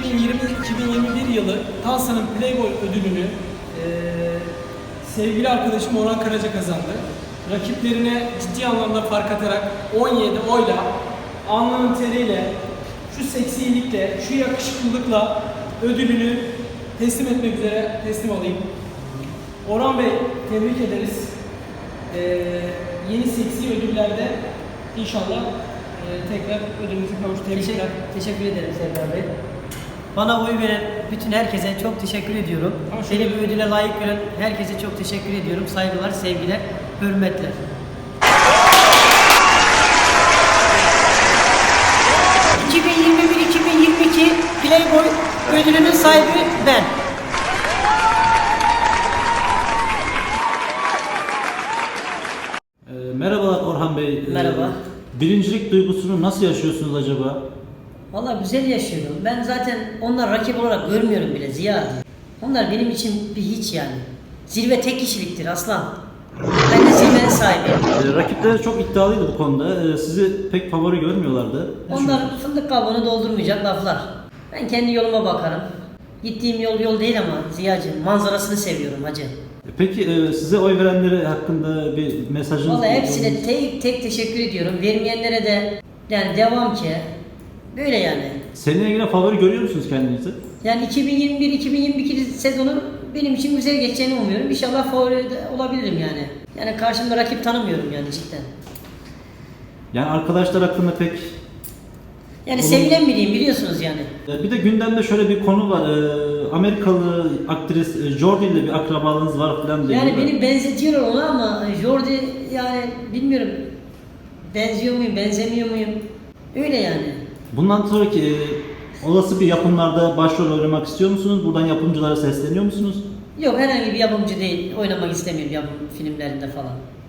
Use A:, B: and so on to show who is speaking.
A: 2020-2021 yılı Tansa'nın Playboy ödülünü sevgili arkadaşım Orhan Karaca kazandı. Rakiplerine ciddi anlamda fark atarak 17 oyla, alnının teriyle, şu seksilikle, şu yakışıklılıkla ödülünü teslim etmek üzere teslim alayım. Orhan Bey, tebrik ederiz. Yeni seksi ödüllerde inşallah tekrar ödülümüzü kavuşturabilirler.
B: Teşekkür ederim Serdar Bey. Bana oy veren bütün herkese çok teşekkür ediyorum. Beni bu ödüle layık gören herkese çok teşekkür ediyorum. Saygılar, sevgiler, hürmetler. ...2021-2022 Playboy ödülünün sahibi ben.
C: Merhabalar Orhan Bey.
B: Merhaba.
C: Birincilik duygusunu nasıl yaşıyorsunuz acaba?
B: Vallahi güzel yaşıyorum. Ben zaten onlar rakip olarak görmüyorum bile Ziya. Onlar benim için bir hiç yani. Zirve tek kişiliktir aslan. Ben de zirvenin sahibiyim.
C: Rakipleri çok iddialıydı bu konuda. Sizi pek favori görmüyorlardı.
B: Onlar fındık kabuğunu doldurmayacak laflar. Ben kendi yoluma bakarım. Gittiğim yol değil ama Ziya'cığım manzarasını seviyorum hacı.
C: Peki size oy verenleri hakkında bir mesajınız var mı?
B: Vallahi hepsine tek teşekkür ediyorum. Vermeyenlere de yani devam ki. Böyle yani.
C: Seneye yine favori görüyor musunuz kendinizi?
B: Yani 2021-2022 sezonu benim için güzel geçeceğini umuyorum. İnşallah favori de olabilirim yani. Yani karşımda rakip tanımıyorum yani cidden.
C: Yani arkadaşlar hakkında pek...
B: Yani sevilen biriyim biliyorsunuz yani.
C: Bir de gündemde şöyle bir konu var. Amerikalı aktris Jordi ile bir akrabalığınız var falan diye.
B: Yani beni benzetiyorlar ona ama Jordi yani bilmiyorum. Benziyor muyum, benzemiyor muyum? Öyle yani.
C: Bundan sonraki olası bir yapımlarda başrol oynamak istiyor musunuz? Buradan yapımcılara sesleniyor musunuz?
B: Yok herhangi bir yapımcı değil. Oynamak istemiyorum yapım filmlerinde falan.